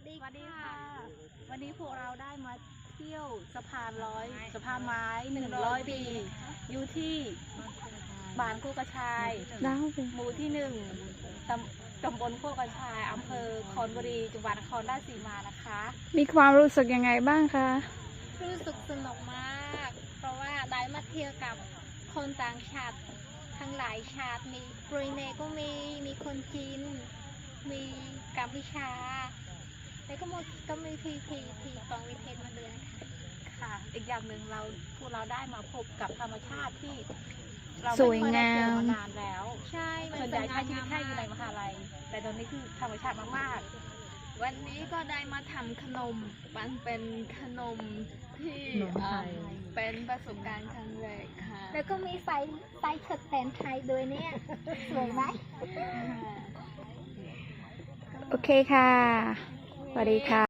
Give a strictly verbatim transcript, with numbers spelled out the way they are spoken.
ดีค่ะวันนี้พวกเราได้มาเที่ยวสะพานร้อยสะพานไม้หนึ่งร้อยปีอยู่ที่บ้านโคกกระชายหมู่ที่หนึ่งตำตำบลโคกกระชายอำเภอคอนบุรีจังหวัดนครราชสีมานะคะมีความรู้สึกยังไงบ้างคะรู้สึกสนุกมาก เพราะว่าได้มาเที่ยวกับคนต่างชาติทั้งหลายชาติมีบรูไนก็มีมีคนจีนมีกัมพูชาแล้วก็มีก็มีพีพีพีฟองวิเทศมาด้วยค่ะค่ะอีกอย่างหนึ่งเราพวกเราได้มาพบกับธรรมชาติที่เราไม่เคยได้เจอมานานแล้วใช่ส่วนใหญ่ใช้ชีวิตแค่อยู่ในมหาลัยแต่ตอนนี้คือธรรมชาติมากๆวันนี้ก็ได้มาทำขนมมันเป็นขนมที่เป็นประสบการณ์ครั้งแรกค่ะแล้วก็มีใส่ใส่ชุดแต่งไทยด้วยเนี่ยสวยไหมโอเคค่ะสวัสดีค่ะ